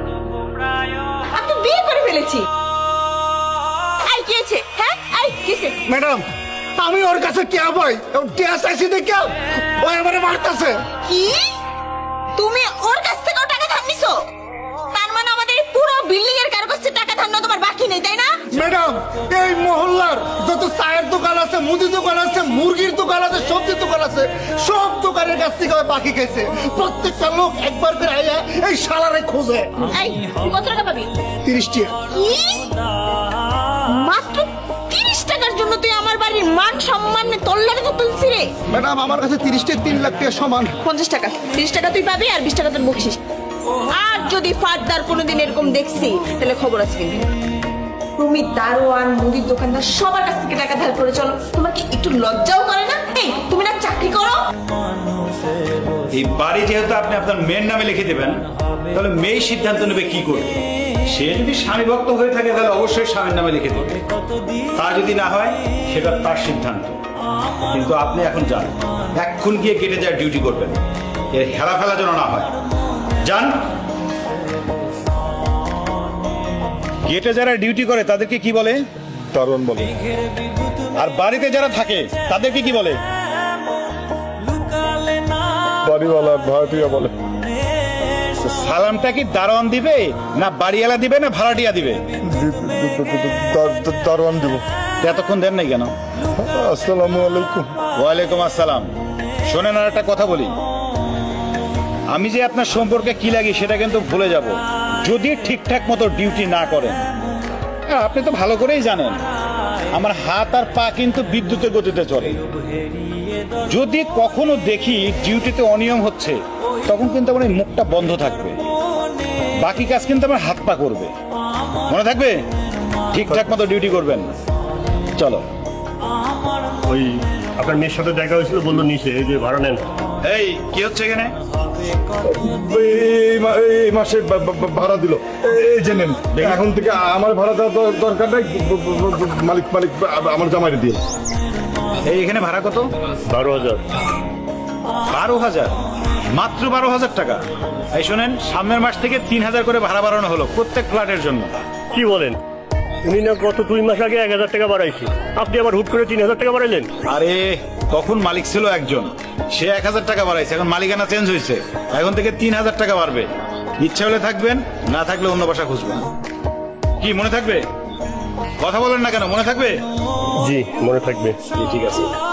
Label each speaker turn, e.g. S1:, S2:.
S1: আমি তো বিয়ে করে ফেলেছি। আই কি হয়েছে? হ্যাঁ আই কিসে?
S2: ম্যাডাম আমি ওর কাছে কে পাই টিয়া চাইছি দেখে ও আমারে মারতাছে।
S1: কি তুমি ওর কাছ থেকেও টাকা ধার নিছো? তার মানে আমাদের এই পুরো বিল্ডিং এর কারো কাছে টাকা ধার নেওয়া তোমার বাকি নেই, তাই না?
S2: ম্যাডাম এই মহল্লার যত চায়ের দোকান আছে, মুদি দোকান আছে, মুরগির দোকান আছে, সবজির দোকান আছে, সব দোকানের কাছ থেকে ও বাকি খাইছে। প্রত্যেকটা লোক একবার করে আইয়া এই শালারে খোঁজে।
S1: এই তুই কত টাকা পাবি?
S2: 30 টিয়া।
S1: কি মাত্র 30 টাকার জন্য তুই আমার বাড়ির মান সম্মান তোর লাগে তো তুলছি রে?
S2: ম্যাডাম আমার কাছে 30 টিয়া 3 লাখ টাকা সমান।
S1: 50 টাকা, 30 টাকা তুই পাবি আর 20 টাকা তোর বকশিস। আর যদি ফারদার কোনোদিন এরকম দেখছি তাহলে খবর আছে কিন্তু। তুমি দারোয়ান, মুদির দোকানদার সবার কাছ থেকে টাকা ধার করে চলো, তোমার কি একটু লজ্জাও করে না? এই তুমি না চাকরি করো?
S3: এই বাড়ি যেহেতু আপনি আপনার মেয়ের নামে লিখে দেবেন, তাহলে মেয়ে সিদ্ধান্ত নেবে কি করবে। সে যদি স্বামী ভক্ত হয়ে থাকে তাহলে অবশ্যই স্বামীর নামে লিখে দেবে, তা যদি না হয় সেটা তার সিদ্ধান্ত। কিন্তু আপনি এখন যান, এক্ষুন গিয়ে গেটে যায় ডিউটি করবেন, এর হেলা ফেলা যেন না হয়। যান। গেটে যারা ডিউটি করে তাদেরকে কি বলে?
S4: দারোয়ান বলে।
S3: আর বাড়িতে যারা থাকে তাদেরকে কি বলে?
S4: বাড়িওয়ালা ভাড়াটিয়া বলে।
S3: সালামটা কি দারোয়ান দিবে, না বাড়িওয়ালা দিবে, না ভাড়াটিয়া দিবে?
S4: দারোয়ান দিব।
S3: এতক্ষণ দেন নাই কেন?
S4: আসসালামু আলাইকুম।
S3: ওয়ালাইকুম আসসালাম। শোনেন, আর একটা কথা বলি, আমি যে আপনার সম্পর্কে কি লাগি সেটা কিন্তু ভুলে যাব যদি ঠিকঠাক মতো ডিউটি না করেন। আর আপনি তো ভালো করেই জানেন আমার হাত আর পা কিন্তু বিদ্যুতের গতিতে চলে। যদি কখনো দেখি ডিউটিতে অনিয়ম হচ্ছে, তখন কিন্তু আমার এই মুখটা বন্ধ থাকবে, বাকি কাজ কিন্তু আমার হাত পা করবে। মনে থাকবে? ঠিকঠাক মতো ডিউটি করবেন। চলো।
S5: ওই আপনার মেয়ের সাথে দেখা হয়েছিল, বললো নিচে, এই যে ভাড়া নেন।
S3: এই কি হচ্ছে এখানে?
S4: এই মাসে ভাড়া দিল, এই যে নেন। এখন থেকে আমার ভাড়া দেওয়ার দরকার নাই, মালিক মালিক আমার জামাইরে দিয়ে।
S3: এই এখানে ভাড়া কত?
S5: 12,000।
S3: 12,000? মাত্র 12,000 টাকা? এই শোনেন, সামনের মাস থেকে 3,000 করে ভাড়া বাড়ানো হলো প্রত্যেক ফ্ল্যাটের জন্য।
S5: কি বলেন? উনি না গত 2 মাস আগে 1,000 টাকা বাড়াইছি, আপনি আবার হুট করে 3,000 টাকা বাড়াইলেন?
S3: আরে তখন মালিক ছিল একজন, সে 1,000 টাকা বাড়াইছে, এখন মালিকানা চেঞ্জ হয়েছে, এখন থেকে 3,000 টাকা বাড়বে। ইচ্ছা হলে থাকবেন, না থাকলে অন্য বাসা খুঁজবেন। কি মনে থাকবে? কথা বলেন না কেন? মনে থাকবে?
S5: জি মনে থাকবে।
S3: ঠিক আছে।